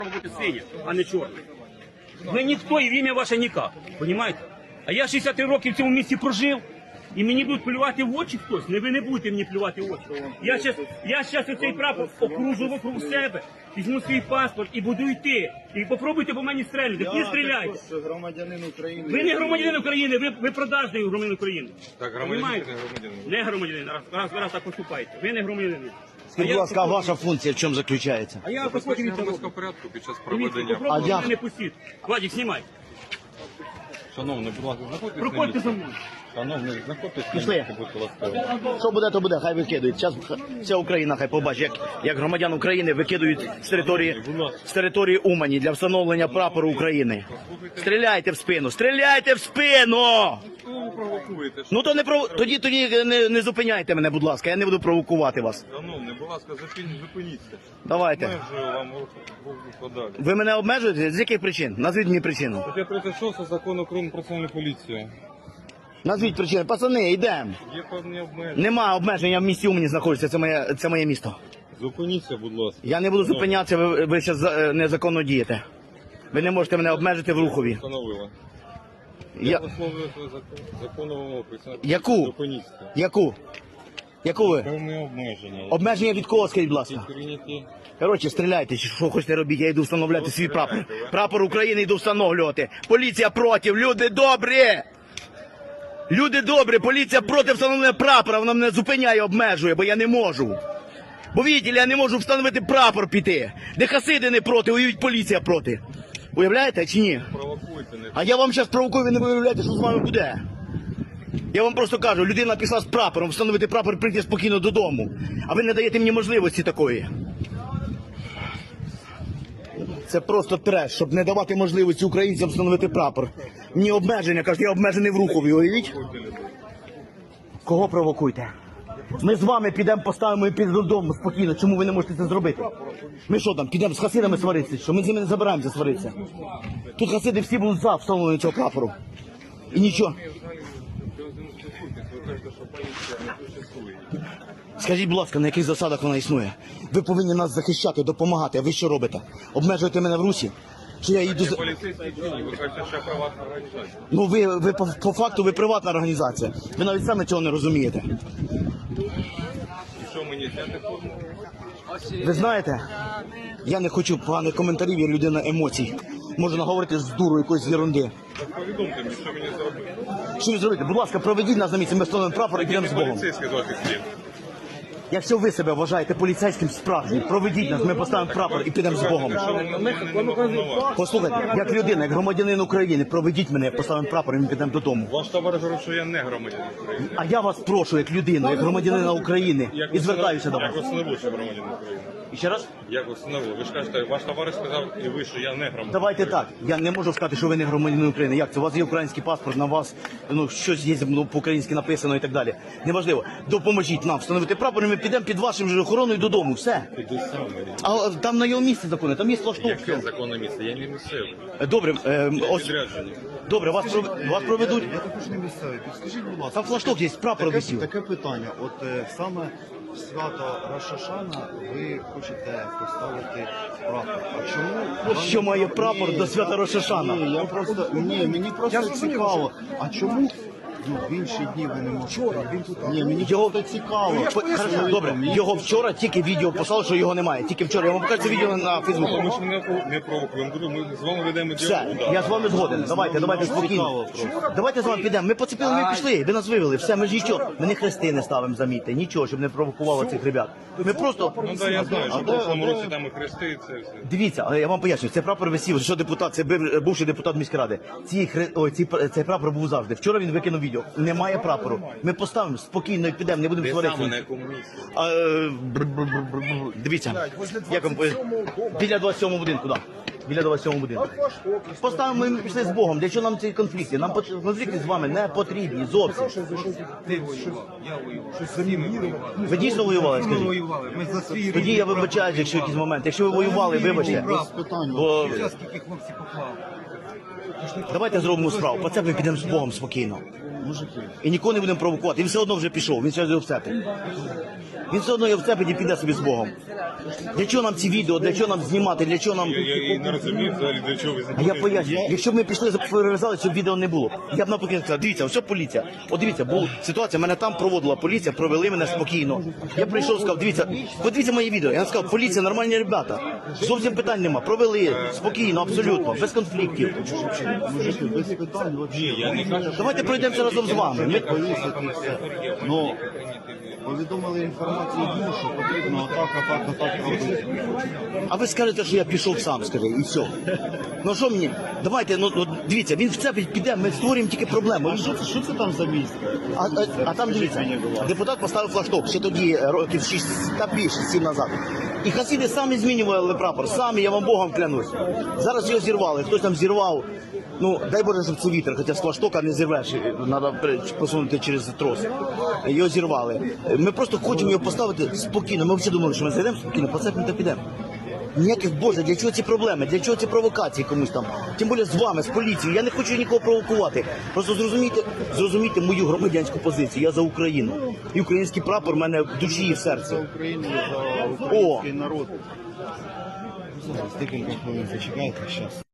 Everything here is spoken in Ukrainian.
бути синя, а не чорна. Ви ніхто і в ім'я ваше ніяк, розумієте? А я 63 роки в цьому місті прожив, і мені будуть плювати в очі хтось. Не ви не будете мені плювати в очі. Я зараз оцей прапор окружу вокруг себе, візьму свій паспорт і буду йти. І попробуйте по мені стрельнути. Не стріляйте. Громадянин України. Ви не громадянин України, ви продажний громадянин України. Так, громадянин не громадянин. Не громадянин, раз так поступаєте. Ви не громадянин. Скажіть, будь ласка, а ваша функція в чому заключається? А я Забезпечення громадського порядку під час проведення. Попробуйте я- мене не пустіть. Владик, знімай. Шановний, будь ласка, знаходьтесь на Проходьте місці. за мною. Шановний, знаходьтесь на Пішли. місці, будь ласка. Що буде, то буде, хай викидують. Зараз вся Україна хай побачить, як громадян України викидують з території Умані для встановлення прапору України. Стріляйте в спину, стріляйте в спину! Що ви провокуєте? Ну то тоді не зупиняйте мене, будь ласка, я не буду провокувати вас. Шановний, будь ласка, зупиніться. Давайте. Межую вам подалі. Ви мене обмежуєте? З яких причин? Назвіть мені причину. Стаття 36 закону України про національну поліцію. Назвіть причину. Пацани, йдемо. Є певні обмеження. Нема обмеження в місті Умані знаходиться, це моє місто. Зупиніться, будь ласка. Я не буду зупинятися, ви зараз незаконно дієте. Ви не можете мене обмежити в рухові. Встановила. Я... Висловлюю свою законну вимогу. Яку? Зупиніться. Яку ви? Певні обмеження. Обмеження від кого, скажіть, будь ласка? Прийняті. Коротше, стріляйте, чи що хочете робіть, я йду встановляти свій прапор. Прапор України йду встановлювати. Поліція проти, люди добрі! Люди добрі, поліція проти встановлення прапора, вона мене зупиняє, обмежує, бо я не можу. Бо видите, я не можу встановити прапор піти. Де хасиди не проти, уявіть, поліція проти. Уявляєте чи ні? Провокуйте, не А я вам зараз провокую, ви не виявляєте, що з вами буде. Я вам просто кажу, людина пішла з прапором, встановити прапор, прийти спокійно додому. А ви не даєте мені можливості такої. Це просто треш, щоб не давати можливості українцям встановити прапор. Мені обмеження, кажуть, я обмежений в рухові, уявіть? Кого провокуйте? Ми з вами підемо, поставимо і підемо додому спокійно. Чому ви не можете це зробити? Ми що там, підемо з хасидами сваритися? Що ми з ними не забираємося сваритися? Тут хасиди всі будуть за встановлення цього прапору. І нічого. Ви кажете, що поліція не существує. Скажіть, будь ласка, на яких засадах вона існує? Ви повинні нас захищати, допомагати, а ви що робите? Обмежуєте мене в русі? Чи я їду... Поліцейські дії, ви кажете, що я приватна організація. Ну ви по факту ви приватна організація. Ви навіть самі цього не розумієте. І що мені зняти форму? Ви знаєте, я не хочу поганих коментарів, я людина емоцій. Можу наговорити з дуру якоїсь ерунди. Так повідомте мені, що мені зробити. Що ви зробите? Будь ласка, проведіть нас на місце, ми встановимо прапор і підемо з Богом. Поліцейський звати слід. Якщо ви себе вважаєте поліцейським справжнім, проведіть нас, ми поставимо прапор і підемо з Богом. Послухайте, як людина, як громадянин України, проведіть мене, поставимо прапор і ми підемо додому. Ваш товариш говорить, що я не громадянин України. А я вас прошу, як людину, як громадянина України, і звертаюся до вас. Як ви встановили, що громадянин України? І ще раз? Як ви встановили? Ви ж кажете, ваш товариш сказав і ви, що я не громадянин. Давайте так, я не можу сказати, що ви не громадянин України. Як це? У вас є український паспорт, на вас щось є по-українськи написано і так далі. Неважливо. Допоможіть нам встановити прапор, і ми підемо під вашим же охороною додому. Все. Іди сам. А там на його місці закони, там є флашток. Яке законне місце? Я не місцевий. Добре, ось, Підряджені. добре, вас проведуть. Я також не місцевий. Підскажіть, будь ласка, Там флашток є, прапор висів. таке питання. От саме в свято Рошашана ви хочете поставити прапор. А чому? Що має прапор до свята Рошашана? Мені просто цікаво. А чому в інші дні ви не можете? Мені Його просто цікаво. Хорошо, добре, його вчора тільки відео послали, що його немає. Тільки вчора. Я вам покажу це відео на Фейсбуку. Ми ж не провокуємо. Ми з вами ведемо Все, діалог. я з вами згоден. Давайте спокійно. Давайте з вами підемо. Ми поцепили, ми пішли, ви нас вивели. Все, ми ж нічого. Ми не хрести не ставимо, замітьте. Нічого, щоб не провокувало цих ребят. Ми просто... Ну так, я знаю, що в прошлому році там і хрести, і це все. Дивіться, але я вам поясню, це прапор висів, що депутат, це бувший депутат міськради. Цей прапор був завжди. Вчора він викинув відео. Немає прапору. Ми поставимо спокійно і підемо, не будемо Де саме, на сваритися. якому місці? Дивіться, як вам біля 27-го будинку, так. Біля 27-го будинку. Поставимо, ми пішли з Богом. Для чого нам ці конфлікти? Нам конфлікти з вами не потрібні зовсім. Ви дійсно воювали, скажіть? Тоді я вибачаюсь, якщо якийсь момент. Якщо ви воювали, вибачте. Бо... Давайте зробимо справу. По це ми підемо з Богом спокійно. Мужики. І нікого не будемо провокувати. Він все одно вже пішов, він ще його вцепить. Він все одно його вцепить і піде собі з Богом. Для чого нам ці відео, для чого нам знімати, для чого нам... Я і не розумію взагалі, для чого ви А я поясню, якщо б ми пішли, перев'язали, цього відео не було. Я б навпаки сказав, дивіться, ось поліція. От дивіться, була ситуація, мене там проводила поліція, провели мене спокійно. Я прийшов, сказав, дивіться, подивіться моє відео. Я сказав, поліція, нормальні ребята. Зовсім питань нема. Провели спокійно, абсолютно, без конфліктів. Мужики, без питань вообще. Я не кажу, що Давайте пройдемося разом з вами. Ми... Повісити і все. Ну, повідомили інформацію, що потрібно отак робити. А ви скажете, що я пішов сам, скажи, і все. Ну що мені? Давайте, ну дивіться, він вцепить, піде, ми створюємо тільки проблему. А що це там за місце? А там дивіться, депутат поставив флагшток ще тоді, років 6, та більше, 7 назад. І хасиди самі змінювали прапор, самі, я вам Богом клянусь. Зараз його зірвали, хтось там зірвав. Ну, дай Боже, щоб це вітер, хоча з флагштока не зірвеш, треба посунути через трос. Його зірвали. Ми просто хочемо його поставити спокійно. Ми всі думали, що ми зайдемо спокійно, посипемо та підемо. Ніяких, Боже, для чого ці проблеми, для чого ці провокації комусь там? Тим більше з вами, з поліцією. Я не хочу нікого провокувати. Просто зрозумійте мою громадянську позицію. Я за Україну. І український прапор в мене в душі і в серці. За Україну, за український народ. Зараз декілька хвилин зачекайте, зараз.